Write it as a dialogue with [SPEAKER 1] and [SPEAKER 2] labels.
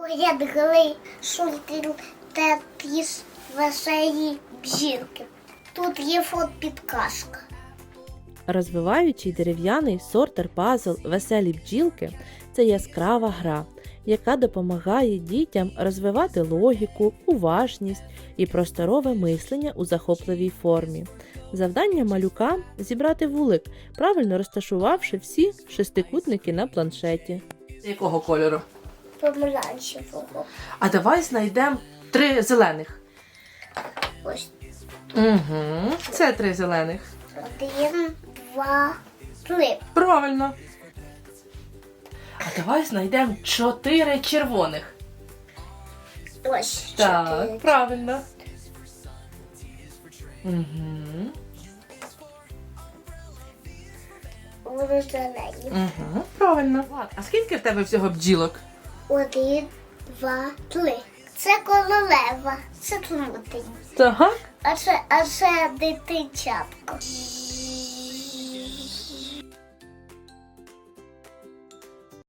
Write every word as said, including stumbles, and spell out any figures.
[SPEAKER 1] Порядили шультер та піс веселі бжілки. Тут є фот-підказка.
[SPEAKER 2] Розвиваючий дерев'яний сортер-пазл «Веселі бджілки» – це яскрава гра, яка допомагає дітям розвивати логіку, уважність і просторове мислення у захопливій формі. Завдання малюка – зібрати вулик, правильно розташувавши всі шестикутники на планшеті.
[SPEAKER 3] Якого кольору?
[SPEAKER 1] Помаранчевого.
[SPEAKER 3] А давай знайдемо три зелених.
[SPEAKER 1] Ось
[SPEAKER 3] Угу. Це три зелених.
[SPEAKER 1] один, два, три.
[SPEAKER 3] Правильно. А давай знайдемо чотири червоних.
[SPEAKER 1] Ось
[SPEAKER 3] Так,
[SPEAKER 1] чотири.
[SPEAKER 3] правильно. Угу.
[SPEAKER 1] Вони зелені.
[SPEAKER 3] Угу. Правильно. А скільки в тебе всього бджілок?
[SPEAKER 1] Один, два, три. Це королева. Це трутень.
[SPEAKER 3] Так.
[SPEAKER 1] А це, а це дитинчатко.